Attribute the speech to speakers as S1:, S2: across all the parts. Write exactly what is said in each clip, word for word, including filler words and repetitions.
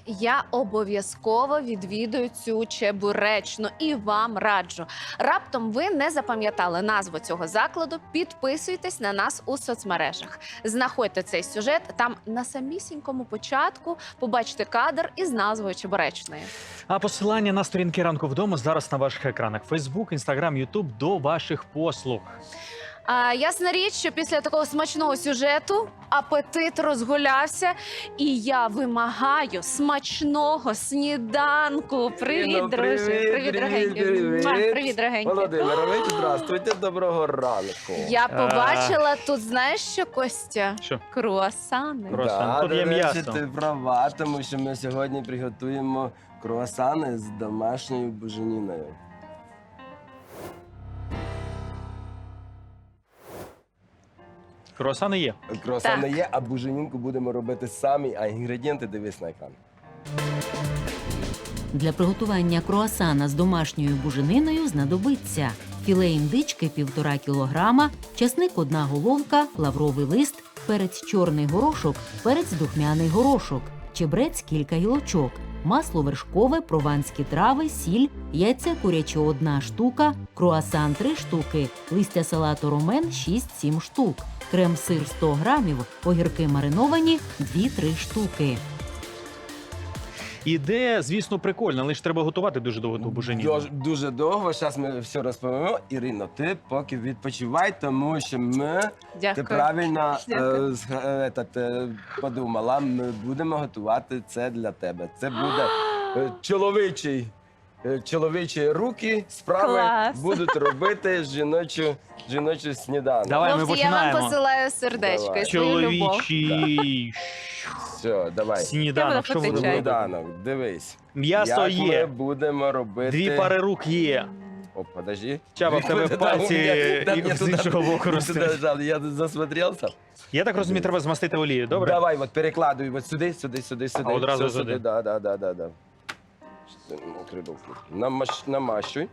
S1: Я обов'язково відвідую цю чебуречну і вам раджу. Раптом ви не запам'ятали назву цього закладу, підписуйтесь на нас у соцмережах. Знаходьте цей сюжет, там на самісінькому початку побачите кадр із назвою чебуречної.
S2: А посилання на сторінки «Ранку вдома» зараз на ваших екранах. Фейсбук, Інстаграм, Ютуб до ваших послуг.
S1: А, ясна річ, що після такого смачного сюжету апетит розгулявся, і я вимагаю смачного сніданку. Привіт,
S3: Ну,
S1: друже. Привіт, дорогенький. Муа, Привіт, дорогенький.
S3: Володимирович, здравствуйте, доброго ранку.
S1: Я побачила тут, знаєш що, Костя?
S2: Що?
S1: Круасани.
S2: Круас- Круасан. Тут
S3: до
S2: є
S3: речі,
S2: м'ясо.
S3: ти права, тому що ми сьогодні приготуємо круасани з домашньою буженіною.
S2: Круасани є.
S3: Круасани
S1: Так.
S3: є, а буженінку будемо робити самі, а інгредієнти дивись на екран.
S4: Для приготування круасана з домашньою бужениною знадобиться філе індички півтора кілограма, часник одна головка, лавровий лист, перець чорний горошок, перець духмяний горошок, чебрець кілька гілочок, масло вершкове, прованські трави, сіль, яйця курячі одна штука, круасан три штуки, листя салату ромен шість-сім штук, крем-сир сто грамів, огірки мариновані дві-три штуки.
S2: Ідея, звісно, прикольна, але ж треба готувати дуже довго ту буженіну.
S3: Дуже, дуже довго, зараз ми все розповімо. Ірино, ти поки відпочивай, тому що ми, ти
S1: Дякую.
S3: правильно
S1: Дякую.
S3: е, зга- е, етат, е, подумала, ми будемо готувати це для тебе. Це буде е, чоловічий, е, чоловічі руки, справи
S1: Клас.
S3: будуть робити жіночу, жіночу сніданок.
S2: Давай, ми
S1: Хлопці, я вам
S2: починаємо.
S1: посилаю сердечко
S3: Давай.
S1: і свою любов.
S2: Чоловічий
S3: Все, давай.
S2: сніданок. Що ви
S1: Чай.
S2: робите?
S3: Сніданок, дивись.
S2: М'ясо
S3: Як ми
S2: є,
S3: будемо робити...
S2: дві пари рук є.
S3: О, подожди.
S2: Чаба, в тебе
S3: Да,
S2: пальці
S3: у меня- да,
S2: і
S3: мне
S2: з
S3: туда-
S2: іншого боку
S3: мне
S2: ростуть.
S3: туда жал, Я засмотрелся.
S2: Я так розумію, треба змастити олію, добре?
S3: Давай, от перекладуй от сюди, сюди, сюди, сюди.
S2: А одразу
S3: Все
S2: сюди?
S3: Да, да, да, да, да. Що ти, ну, треба вкрути. Намаш, намащуй.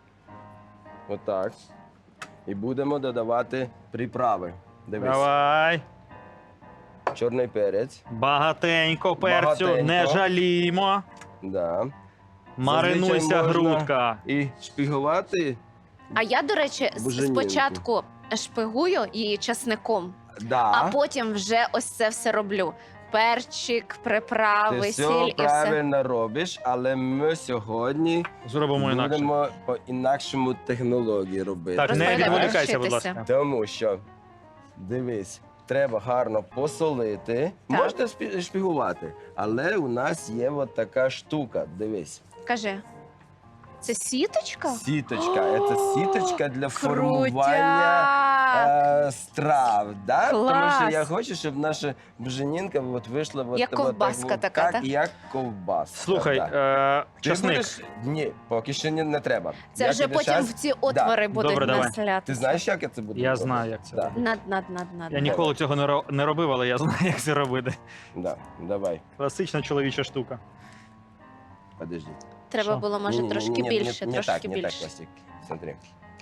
S3: Отак. І будемо додавати приправи. Дивись.
S2: Давай.
S3: Чорний перець.
S2: Багатенько перцю,
S3: Багатенько.
S2: не жалімо.
S3: Да.
S2: Маринуйся,
S3: Зазвичай можна
S2: грудка.
S3: І шпігувати.
S1: А я, до речі, с-
S3: Буженінку.
S1: спочатку шпигую її часником,
S3: Да.
S1: а потім вже ось це все роблю. Перчик,
S3: Ти
S1: приправи,
S3: все
S1: сіль і все.
S3: правильно робиш, але ми сьогодні
S2: Зробимо інакше.
S3: будемо по інакшому технології робити.
S2: Так, не
S1: Розповідай,
S2: відволікайся, будь
S1: вчитися.
S2: ласка.
S3: Тому що, дивись, треба гарно посолити.
S1: Так.
S3: Можна спі- шпігувати, але у нас є от така штука. Дивись.
S1: Кажи, це сіточка?
S3: Сіточка. Це сіточка для формування
S1: Крутяк!
S3: е, страв. Да? Тому
S1: Клас!
S3: що я хочу, щоб наша буженінка от вийшла от,
S1: Як
S3: от
S1: ковбаска
S3: так,
S1: така,
S3: так,
S1: так?
S3: як ковбаска.
S2: Слухай,
S3: да.
S2: е,
S3: Ти
S2: часник.
S3: будеш- Ні, поки що не, не треба.
S1: Це
S3: Я
S1: вже
S3: тобі
S1: потім
S3: щас-
S1: в ці отвори будуть
S2: Добре, давай.
S1: населятися.
S3: Ти знаєш, як я це буду
S2: Я
S3: робити?
S2: знаю, як це
S3: Да.
S2: робити.
S1: Над, над, над, над.
S2: Я ніколи цього не ро- не робив, але я знаю, як це робити.
S3: Да, давай,
S2: Класична чоловіча штука.
S3: подожди.
S1: Треба
S2: Що?
S1: було, може,
S3: Ні, ні,
S1: трошки
S3: ні, ні,
S1: більше,
S3: не,
S1: трошки
S3: не так, не так,
S1: більше.
S3: Костік. Смотри.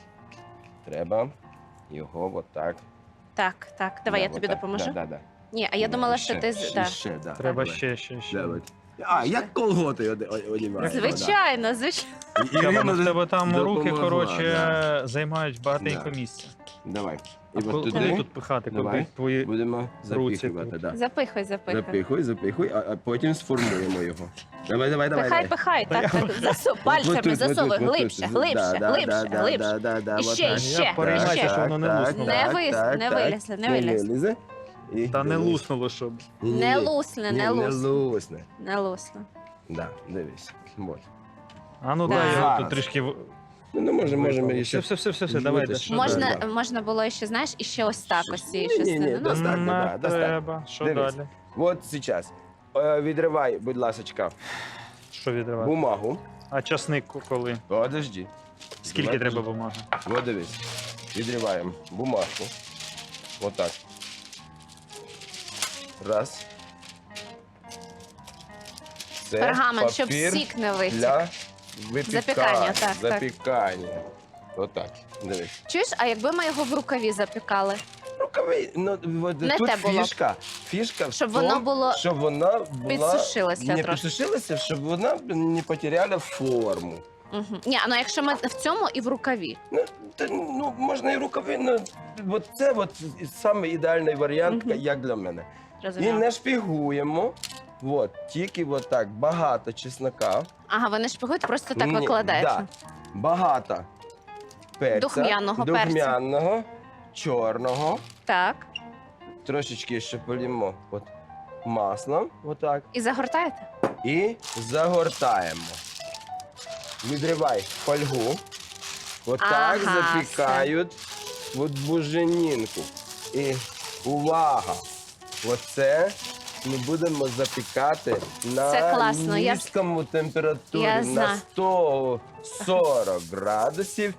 S3: Треба його от так.
S1: Так, так, давай,
S3: Да,
S1: я тобі
S3: отак.
S1: допоможу.
S3: Да, да, да.
S1: Ні, а я
S3: Да,
S1: думала,
S3: ще,
S1: що ти... з-
S3: ще,
S1: да.
S3: ще, да.
S2: Треба
S3: Давай.
S2: ще, ще, ще.
S3: Давай. А, як колготи оде- о- одіваєш.
S1: Звичайно, звичайно.
S3: Да. І-
S2: Чаба,
S3: Ірина
S2: ну в тебе там руки,
S3: допомогла,
S2: коротше,
S3: да.
S2: займають багатенько
S3: Да.
S2: місця.
S3: Давай.
S2: А
S3: І от
S2: коли
S3: туди
S2: тут пихати,
S3: Давай.
S2: куди твої...
S3: будемо
S2: руці
S3: запихувати.
S2: тут.
S3: Да.
S1: Запихай, запихай.
S3: Запихуй, запихуй, а, а потім сформуємо його. Давай, давай, давай.
S1: Пихай,
S3: давай.
S1: пихай,
S2: Та
S1: так,
S2: я-
S1: так, засу,
S3: От
S1: пальцями
S3: тут, от
S1: засовуй,
S3: тут, от
S1: глибше,
S3: тут.
S1: глибше,
S3: Да, да,
S1: глибше,
S3: да,
S1: глибше.
S3: да, да, да,
S1: І
S3: от
S1: ще,
S3: так.
S1: і ще,
S2: Я переймаюся,
S1: ще.
S2: що воно не
S3: Так,
S2: луснуло.
S1: Не
S3: так,
S1: вис-
S3: так,
S1: не
S3: так.
S1: вилізли, не
S3: Ні,
S1: вилізли.
S3: лізе. І
S2: Та не
S3: дивись.
S2: луснуло, щоб.
S3: Ні, ні,
S1: Не
S3: ні.
S1: лусне,
S3: Ні,
S1: не
S3: Не
S1: лусне.
S3: лусне.
S1: Не лусне.
S3: Да, дивись. Вот.
S2: А ну
S1: Так.
S2: дай його
S3: Зараз.
S2: тут трішки... в-
S3: Ну, не можемо, можемо
S2: Все,
S3: ще.
S2: все, все, все, все, давай.
S3: Витащи.
S2: дальше.
S3: Можна-
S1: Можна, можна було ще, знаєш, і ще ось так, ось цією
S3: Ні, ні, ні,
S1: частиною. Ну,
S3: достатньо,
S2: Не
S3: да, достатньо.
S2: треба. Що
S3: Дивись.
S2: далі?
S3: От зараз. Е, Відривай, будь ласочка,
S2: Що відривати?
S3: бумагу.
S2: А часник коли?
S3: Подожди.
S2: Скільки
S3: Давай,
S2: треба
S3: подожди.
S2: бумаги?
S3: От дивись. Відриваємо бумажку. Отак. Раз. Це
S1: Пергамент, щоб
S3: папір
S1: сік не витік.
S3: для випікання.
S1: Запікання, так, так.
S3: Запікання. Отак. Дивись.
S1: Чуєш, а якби ми його в рукаві запікали?
S3: рукави. Ну, от,
S1: Не
S3: тут
S1: те було.
S3: фішка. Фішка в
S1: Щоб
S3: тому,
S1: воно було
S3: щоб вона була...
S1: підсушилося
S3: не
S1: трошки.
S3: підсушилася, щоб вона не потеряла форму.
S1: Угу. Ні, ну якщо ми в цьому і в рукаві.
S3: Ну, та, ну можна і рукави, ну, от це от саме ідеальний варіант,
S1: Мгм.
S3: як для мене. І
S1: Розумію.
S3: не шпігуємо. От, тільки от так, багато чеснока.
S1: Ага, ви не шпигуєте, просто так
S3: Ні,
S1: викладаєте.
S3: Да. Багато перця.
S1: Духмяного перцю.
S3: Духмяного, чорного.
S1: Так.
S3: Трошечки ще полімо от маслом, отак.
S1: І загортаєте?
S3: І загортаємо. Відривай фольгу. Отак
S1: Ага,
S3: запікають от буженінку. І увага! Оце ми будемо запікати на
S1: Це класно, я-
S3: низькому температурі,
S1: Я
S3: на
S1: знаю.
S3: сто сорок градусів,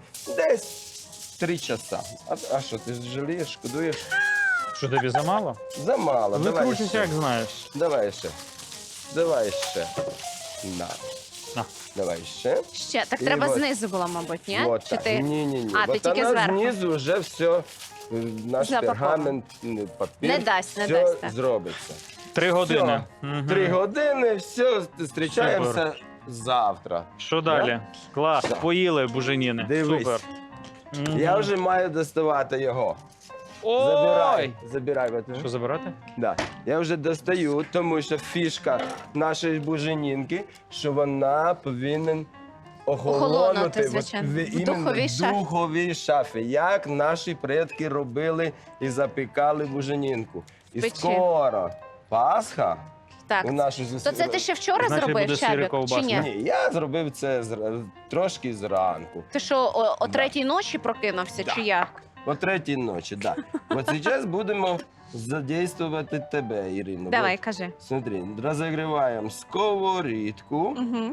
S3: десь три часа. А, а що, ти жалієш, шкодуєш?
S2: Що тобі замало?
S3: Замало. Давай
S2: Викручуйся,
S3: ще.
S2: як знаєш.
S3: Давай ще. Давай ще. На.
S2: На.
S3: Давай ще.
S1: Ще. Так
S3: І
S1: треба
S3: от-
S1: знизу було, мабуть, ні?
S3: Вот
S1: Чи
S3: так.
S1: ти...
S3: Ні, ні, ні.
S1: А, ти
S3: Вот
S1: тільки
S3: вона
S1: зверху.
S3: знизу вже все, е, наш
S1: Запаковано.
S3: пергамент, е, папір,
S1: Не дасть, не
S3: все
S1: дасть, так.
S3: зробиться.
S2: Три години. Мгм.
S3: Три години, все, зустрічаємося завтра.
S2: Що далі? Клас,
S3: Да.
S2: поїли буженіни.
S3: Дивись.
S2: Супер. Мгм.
S3: Я вже маю доставати його. Забирай.
S2: Ой!
S3: Забирай. от.
S2: Що забирати?
S3: Да. Я вже достаю, тому що фішка нашої буженінки, що вона повинна
S1: Охолонути,
S3: охолонути
S1: звичайно.
S3: в,
S1: В
S3: іменно
S1: духовій шафі.
S3: духовій шафі, як наші предки робили і запікали буженінку. І
S1: Печі.
S3: скоро Пасха
S1: Так.
S3: у нашу
S1: То
S3: зустріч.
S1: це ти ще вчора
S2: Значить,
S1: зробив,
S2: буде сир і
S1: Чабік, чи
S2: ковбаска.
S1: ні?
S3: Ні, я зробив це зра- трошки зранку.
S1: Ти що, о, о
S3: Да.
S1: третій ночі прокинувся,
S3: Да.
S1: чи як?
S3: О третій ночі, так. Да. От зараз будемо задействувати тебе, Ірино.
S1: Давай,
S3: От,
S1: кажи.
S3: смотри, розігріваємо сковорідку.
S1: Угу.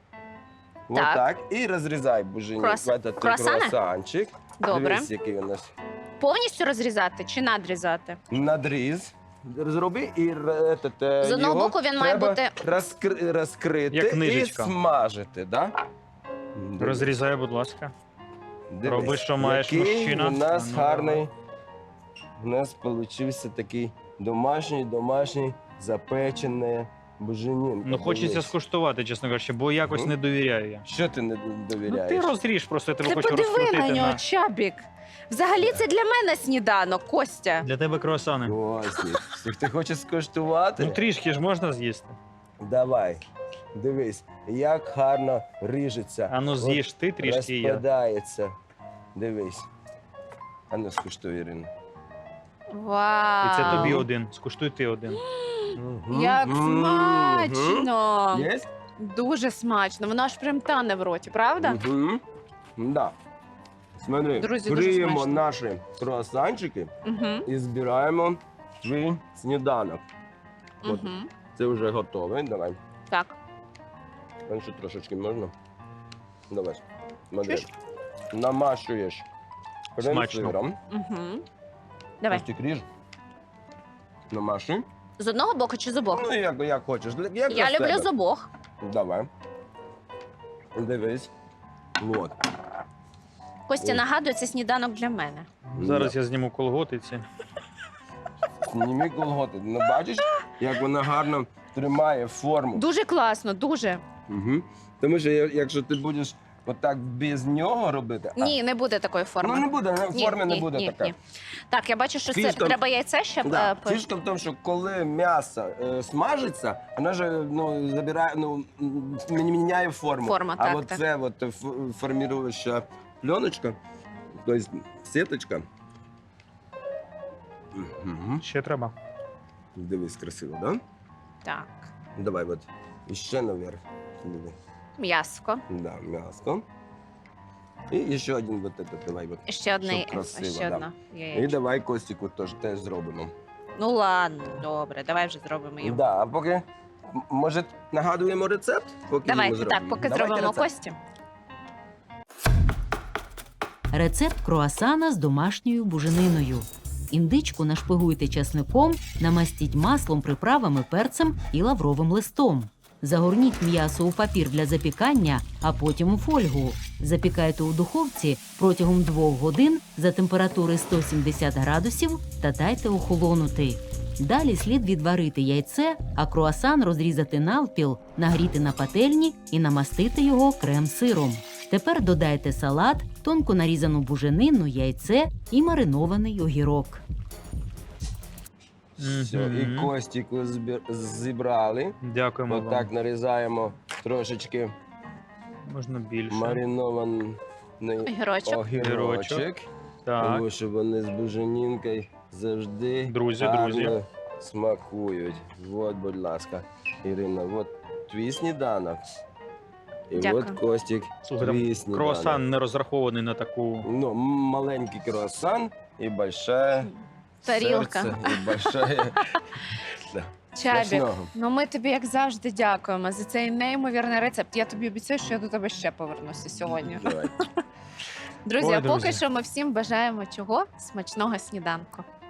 S3: Вот
S1: Так.
S3: так. І розрізай буженік.
S1: Крос-
S3: Этот
S1: круасани?
S3: круасанчик.
S1: Добре.
S3: Дивись, який у нас
S1: Повністю розрізати чи надрізати?
S3: надріз. Зроби і р- этот, е,
S1: З одного
S3: його
S1: боку він має
S3: треба
S1: бути-
S3: розкри- розкрити
S2: Як
S3: і
S2: книжечка.
S3: смажити, да? Дивись.
S2: Розрізай, будь ласка.
S3: Дивись,
S2: Роби, що маєш,
S3: який
S2: мужчина.
S3: у нас
S2: Ну,
S3: гарний. У нас получився такий домашній, домашній запечений буженін.
S2: Ну, хочеться скуштувати, чесно кажучи, бо якось
S3: Мгм.
S2: не довіряю я.
S3: Що ти не
S2: Ну,
S3: довіряєш?
S2: ти розріж, просто я тебе
S1: Ти
S2: хочу
S1: подиви
S2: розкрутити.
S1: на нього, Чабік. Взагалі це для мене сніданок, Костя.
S2: Для тебе круасани.
S3: Ось, їх. Ти хочеш скуштувати?
S2: Ну трішки ж можна з'їсти.
S3: Давай. Дивись, як гарно ріжеться.
S2: А ну
S3: От
S2: з'їж ти трішки і я.
S3: розпадається. Дивись. А ну скуштуй, Ірина.
S1: Вау.
S2: І це тобі один. Скуштуй ти один.
S1: Як
S3: Мгм.
S1: смачно.
S3: Є?
S1: Дуже смачно. Воно аж прям тане в роті, правда?
S3: Угу. Да. Смотри,
S1: Друзі, дуже
S3: криємо
S1: смачно.
S3: наші круасанчики
S1: Угу.
S3: і збираємо твій сніданок. От.
S1: Угу.
S3: Це вже готове. Давай.
S1: Так.
S3: А ще трошечки можна? Давай. Смотри.
S1: Чуєш?
S3: Намашуєш
S2: Смачно.
S3: крем-сиром.
S1: Угу. Давай.
S3: Ось ти ріж. Намашуй.
S1: З одного боку чи з обох?
S3: Ну, як, як хочеш. Як
S1: Я
S3: для
S1: люблю
S3: себе.
S1: з обох.
S3: Давай. Дивись. Вот.
S1: Костя,
S3: Ой.
S1: нагадує, це сніданок для мене.
S2: Зараз я зніму колготиці.
S3: Зніми колготи. Ну, бачиш, як вона гарно тримає форму.
S1: Дуже класно, дуже.
S3: Угу. Тому що я- якщо ти будеш отак без нього робити, а,
S1: Ні, не буде такої форми.
S3: ну не буде,
S1: Ні,
S3: форми не
S1: ні,
S3: буде
S1: ні,
S3: така.
S1: ні. Так, я бачу, що це
S3: Фішка-
S1: треба яйце ще.
S3: Да.
S1: е, по-
S3: Фішка в тому, що коли м'ясо е, смажиться, вона ж ну, забирає, ну, м, міняє форму.
S1: Форма,
S3: а
S1: так,
S3: от
S1: так.
S3: це от ф- форміруюча пленочка, тобто сіточка. Угу.
S2: Ще треба.
S3: Дивись, красиво, да?
S1: Так.
S3: Давай от іще наверх. Диви.
S1: М'яско.
S3: Да, м'ясо. І ще один вот этот, давай от.
S1: І ще одне,
S3: Щоб красиво,
S1: ще
S3: да.
S1: одна
S3: І
S1: яєчко.
S3: давай Костіку теж, теж зробимо.
S1: Ну ладно, добре, давай вже зробимо йому.
S3: Да, а поки, м- може, нагадуємо рецепт? Поки
S1: Давайте,
S3: йому
S1: так,
S3: зробимо?
S1: поки
S3: Давайте
S1: зробимо
S3: рецепт.
S1: Кості.
S4: Рецепт круасана з домашньою бужениною. Індичку нашпигуйте часником, намастіть маслом, приправами, перцем і лавровим листом. Загорніть м'ясо у папір для запікання, а потім у фольгу. Запікайте у духовці протягом двох годин за температури сто сімдесят градусів та дайте охолонути. Далі слід відварити яйце, а круасан розрізати навпіл, нагріти на пательні і намастити його крем-сиром. Тепер додайте салат, тонко нарізану буженину, яйце і маринований огірок.
S3: Все,
S2: Мгм.
S3: і костіку збір- зібрали.
S2: Дякуємо вам.
S3: Отак нарізаємо трошечки
S2: Можна більше.
S3: маринований
S1: Огірочок.
S3: огірочок.
S2: Так.
S3: Тому що вони з буженінкою завжди
S2: Друзі,
S3: гарно
S2: друзі.
S3: смакують. От, будь ласка, Ірина, от твій сніданок. І
S1: Дякую.
S3: от Костік,
S2: Слухай,
S3: твій
S2: там
S3: сніданок.
S2: круасан не розрахований на таку.
S3: Ну, м- маленький круасан і большая
S1: Тарілка.
S3: серце, і большая... Да.
S1: Чабік,
S3: Смачного.
S1: ну ми тобі, як завжди, дякуємо за цей неймовірний рецепт. Я тобі обіцяю, що я до тебе ще повернуся сьогодні.
S3: Давай.
S1: Друзі,
S2: Ой,
S1: а поки
S2: друзі.
S1: що ми всім бажаємо чого? Смачного сніданку.